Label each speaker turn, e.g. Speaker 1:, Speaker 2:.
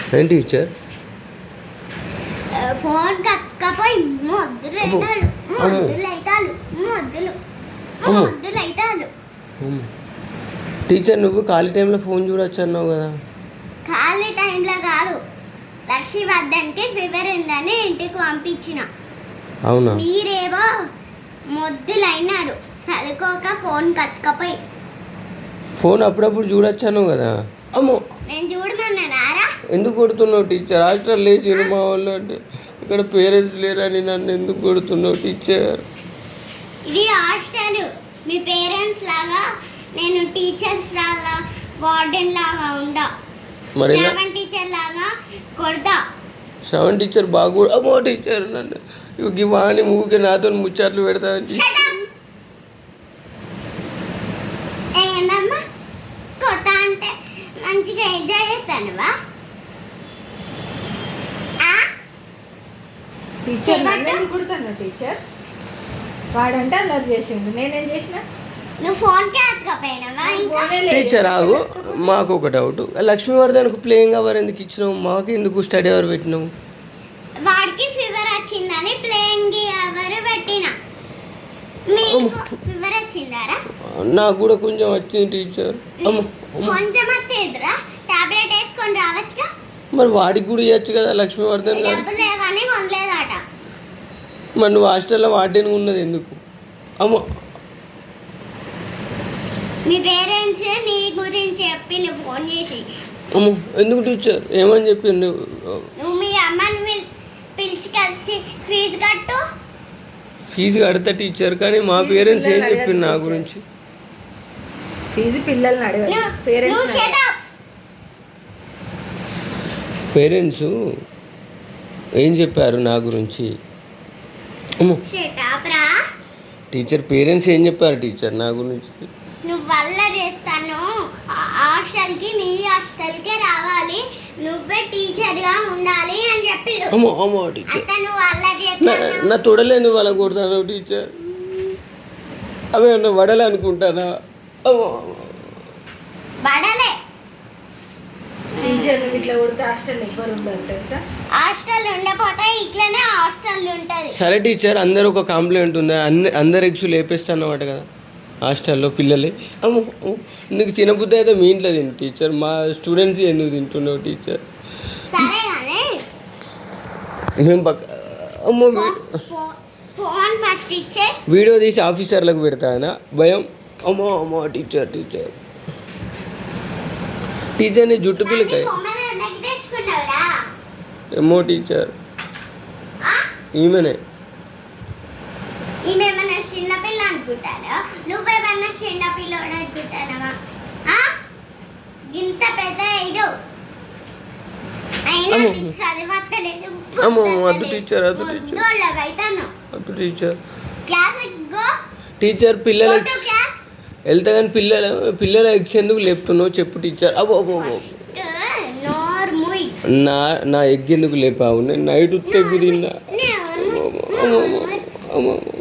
Speaker 1: ఏం teacher?
Speaker 2: Phone కక్కపోయి మొద్దులు అవుతాడు, మొద్దులు అవుతాడు, మొద్దులు అవుతాడు.
Speaker 1: టీచర్ నువ్వు ఖాళీ టైంలో ఫోన్ చూడొచ్చు అన్నావు కదా.
Speaker 2: ఖాళీ టైంలో కాదు, లక్ష్మీవర్ధన్కి ఫీవర్ ఉందని ఇంటికి పంపించిన.
Speaker 1: అవునా?
Speaker 2: మీరేవో మొద్దులు అయినారు చదువుకోక ఫోన్ కక్కపోయి.
Speaker 1: ఫోన్ అప్పుడప్పుడు చూడొచ్చు అన్నావు కదా. అమ్మో,
Speaker 2: నేను చూడమన్నారా?
Speaker 1: ఎందుకు కొడుతున్నావు టీచర్? హాస్టల్ లేచి మా వాళ్ళు అంటే ఇక్కడ పేరెంట్స్ లేరని నన్ను ఎందుకు కొడుతున్నావు టీచర్?
Speaker 2: ఇది హాస్టల్, మీ పేరెంట్స్ లాగా నేను టీచర్స్ లాగా వార్డెన్ లాగా ఉండా.
Speaker 1: మరి
Speaker 2: శ్రవణ్ టీచర్ లాగా కొడతా.
Speaker 1: శ్రవణ్ టీచర్ బాగా అమ్మో టీచర్ నన్ను ఇవి వాణి ఊరికే నాతో ముచ్చట్లు పెడతా అని.
Speaker 2: ఏంటమ్మా కొడతా అంటే మంచిగా ఎంజాయ్ చేస్తానువా?
Speaker 3: టీచర్ నన్ను కొడుతున్నా టీచర్. వాడంటే అల్లరి చేసిండు, నేనేం చేసిన?
Speaker 2: నువ్వు ఫోన్కే అతకపోయినావా?
Speaker 1: టీచర్ ఆగు, మాకు ఒక డౌట్. లక్ష్మీవర్ధన్కు ప్లేయింగ్ అవర్ ఎందుకు ఇచ్చినావు? మాకు ఎందుకు స్టడీ అవర్ పెట్టినావు?
Speaker 2: వాడికి ఫీవర్ వచ్చిందని ప్లేయింగ్ అవర్ పెట్టిన. మీకు ఫీవర్ వచ్చిందారా?
Speaker 1: నాకు కూడా కొంచెం వచ్చింది టీచర్.
Speaker 2: కొంచెం వస్తేదిరా, టాబ్లెట్ వేసుకొని రావచ్చుగా.
Speaker 1: మరి వాడికి కూడా ఇవ్వచ్చు కదా లక్ష్మీవర్ధన్ గారు.
Speaker 2: డబ్బులు లేవని కొనలేదట.
Speaker 1: మరి నువ్వు హాస్టల్లో వార్డెన్ ఉన్నది ఎందుకు? అమ్మ,
Speaker 2: మీ పేరెంట్స్ నీ గురించి చెప్పి ఫోన్ చేసి.
Speaker 1: అమ్మ ఎందుకు టీచర్? ఏమని చెప్పి?
Speaker 2: నువ్వు మీ అమ్మని పిలిచికొచ్చి ఫీజు కట్టు.
Speaker 1: ఫీజు కడతా టీచర్, కానీ మా పేరెంట్స్ ఏం చెప్పింది నా గురించి?
Speaker 3: ఫీజు పిల్లల్ని అడగదు, పేరెంట్స్.
Speaker 1: పేరెంట్స్ ఏం చెప్పారు నా గురించి? అమ్మో టీచర్, పేరెంట్స్ ఏం చెప్పారు టీచర్ నా గురించి?
Speaker 2: నువ్వు వల్ల చేస్తాను, హాస్టల్కి మీ హాస్టల్కే రావాలి, నువ్వే టీచర్గా ఉండాలి అని చెప్పి.
Speaker 1: అమ్మో అమ్మో టీచర్,
Speaker 2: నువ్వు వల్ల చేస్తాను.
Speaker 1: నా తొడలేదు వాళ్ళ కొడతాను టీచర్. అవే వడలే అనుకుంటానా?
Speaker 2: వడలే
Speaker 3: టీచర్ ఇట్లా కొడితే హాస్టల్ ఎవ్వరు ఉండరు తెలుసా?
Speaker 2: హాస్టల్ ఉండకపోతే ఇట్లనే హాస్టల్ ఉంటుంది.
Speaker 1: సరే టీచర్, అందరూ ఒక కంప్లైంట్ ఉందా? అందరు ఎగ్స్ లేపేస్తాన్నమాట కదా హాస్టల్లో పిల్లలే. అమ్మో నీకు చిన్నబుద్ధి అయితే మీ ఇంట్లో తిను టీచర్, మా స్టూడెంట్స్ ఎందుకు తింటున్నావు టీచర్?
Speaker 2: సరే కానీ
Speaker 1: మేము అమ్మో
Speaker 2: ఫోన్ ఫస్ట్ ఇచ్చే
Speaker 1: వీడియో తీసి ఆఫీసర్లకు పెడతానా భయం? అమ్మో అమ్మో టీచర్ టీచర్ టీచర్ నీ జుట్టు పిల్లకాయ. ఏమో టీచర్, ఈమెనే.
Speaker 2: ఈమెమన్నా చిన్నపిల్ల అనుకుంటారా? నువ్వేమన్నా చిన్నపిల్లోడు అనుకుంటానవా? ఇంత పెద్ద ఇడు అయినా చదివట్లేదు.
Speaker 1: అమ్మో వద్దు టీచర్, వద్దు టీచర్, వద్దు టీచర్. టీచర్ పిల్లల వెళ్తా కానీ పిల్లల ఎగ్స్ ఎందుకు లేపుతున్నావు చెప్పు టీచర్. అబ్బో అబ్బో నా ఎగ్ ఎందుకు లేపావు? నేను నైట్ ఉత్తే ఎగ్గు తిన్నా. అమ్మో